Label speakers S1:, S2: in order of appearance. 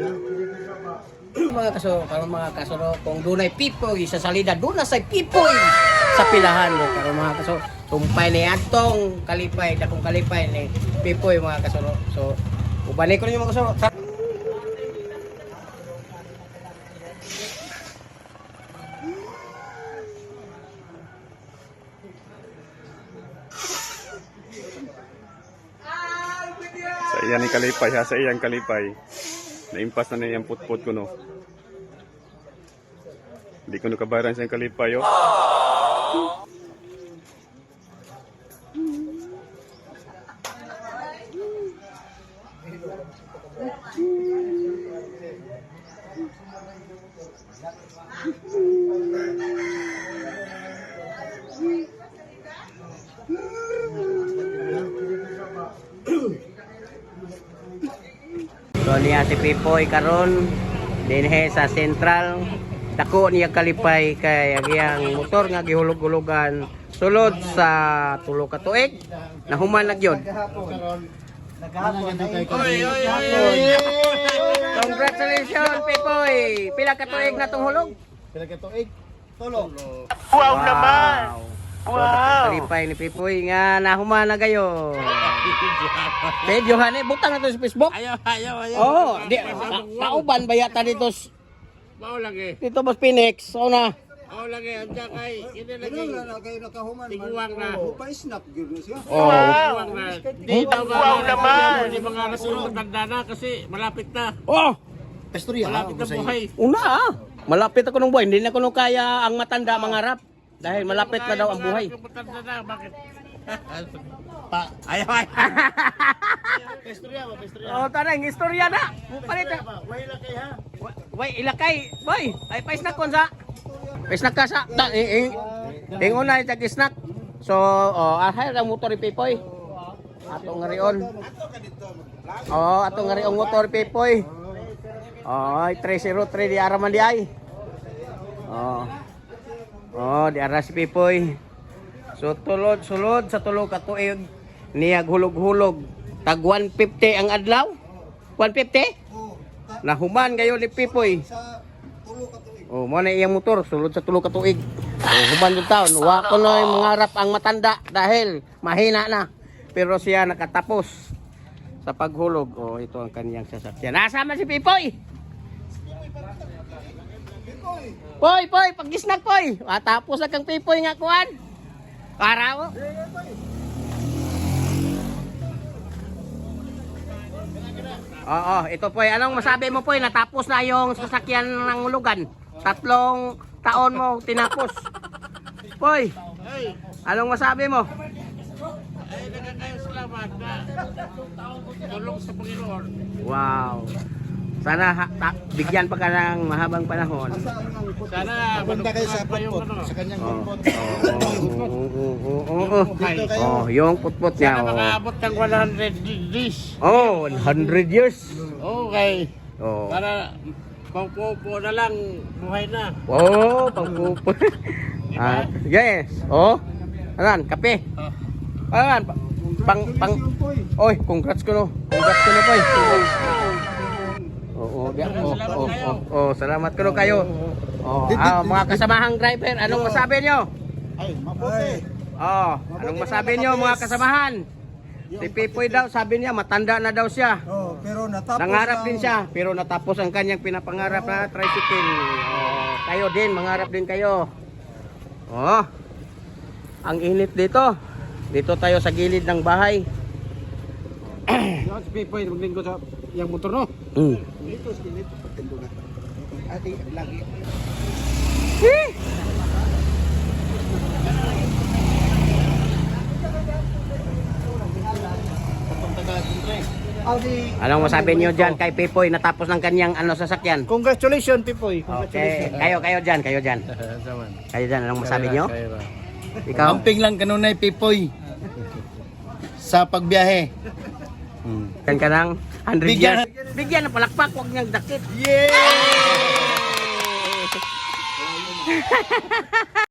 S1: Mga kaso, karon mga kaso kung dunay pipoy sa salida, duna say pipoy sa pilahan mo. Karon mga kaso, tumpay ni atong kalipay, dakong kalipay ni pipoy mga kaso. So, ubalik ko ninyo mga kaso.
S2: Sa iyan ni kalipay ha, sa iyang kalipay. Naimpas na na yung putput ko no. Hindi ko nakabayaran sa iyang kalipay oh.
S1: So niya si Pipoy karon dinhe sa Central, dako niya kalipay kay agiyang motor nga gihulog-hulugan sulod sa tulo ka tuig nahuman na gyud. Congratulations Pipoy, pila ka tuig na tong hulog?
S3: Pila ka tuig? Tulo.
S1: Wow naman. Wow. Kalipay ni Pipoy nga nahuman na gayo. Videohan eh, butang na to sa Facebook.
S4: Ayaw.
S1: Oh, di nauban ba yata dito
S4: Mau lagi.
S1: dito Boss Phoenix? So na.
S4: Mau lagi. Anja kay ini lagi.
S3: Ano na kayo nakahuman?
S4: Tiguang na.
S3: Pa-snap gyud siya.
S1: Oh.
S4: Tiguang na. Di daw wow naman. Di mga nasunod matanda na kasi malapit na.
S1: Oh,
S3: Pastorya.
S4: Malapit na buhay.
S1: una ah. Malapit ako ng buhay. Hindi na ko nung kaya ang matanda mangarap. Dahil malapit na daw ang buhay.
S4: Matanda na. Bakit?
S3: Pa.
S4: Ayaw.
S3: Pastorya ba? Pastorya.
S1: Oh, tanang istorya na. Palit na.
S3: Way la kay ha.
S1: Way ilakay. Boy, ay pa-snack kon sa. Pa-snack ka sa. Una itag snack. So, oh, ahay ang motor ni Pipoy. Atong ngarion. Oh, atong ngariong motor Pipoy. Oh, 303 di araman di ay. Oh. Oh, di ara si Pipoy. So sulod sa tulo ka tuig niya hulog-hulog. Tag 150 ang adlaw. 150? Nahuman gayon ni Pipoy.
S3: Sa tulo ka tuig.
S1: Oh, mo na iyang motor sulod sa tulo ka tuig. Oh, human yung taon. Wa ko na mangarap ang matanda dahil mahina na. Pero siya nakatapos sa paghulog. Oh, ito ang kaniyang sasakyan. Nasama si Pipoy. Poy, pag-snack poy. Tapos na kang Pipoy nga kuan. Para mo. Oo, ito poy. Anong masabi mo poy? Natapos na yung sasakyan ng hulugan. 3 taon mo tinapos. Poy, anong masabi mo?
S4: Ay, nagkakayo salamat na. Tulong sa Panginoon.
S1: Wow. Sana bigyan pa ka ng mahabang panahon.
S4: Sana
S3: Punta kayo sa
S4: pa yung
S3: putput.
S4: ano.
S3: Sa kanyang putput.
S1: Dito kayo. Oh, yung putput niya.
S4: Sana makaabot ng 100 days.
S1: Oh, 100 years.
S4: Okay.
S1: Oh.
S4: Para pangpupo na lang, buhay na.
S1: Oh, pangpupo. Yes. Oh. Anan, kape. Anan, pang. Oy, congrats ko no. Congrats ko no, poy. Salamat ko no kayo. Oh, mga kasamahang driver, anong masabi nyo?
S3: Ay, mabuti.
S1: Oh, anong masabi nyo mga kasamahan? Si Pipoy daw, sabi niya, matanda na daw siya.
S3: Oh, pero natapos.
S1: Nangarap din siya, pero natapos ang kanyang pinapangarap na tricycle. Oh, kayo din, mangarap din kayo. Oh, ang init dito. Dito tayo sa gilid ng bahay.
S4: Yan si Pipoy, maglinggo sa yung motor no.
S3: Dito sa gilid. Pagtendo na. Ati, lagi.
S1: Anong masabi niyo diyan kay Pipoy natapos ng kanyang sasakyan?
S3: Congratulations, Pipoy.
S1: Okay, kayo diyan, kayo diyan. Kayo diyan, anong masabi niyo? Ikaw?
S3: Amping lang kanunay, Pipoy. Sa pagbiyahe.
S1: Kan ka ng 100
S3: Bigyan-
S1: years. Bigyan ng palakpak, huwag niyang dakit.
S3: Yeah!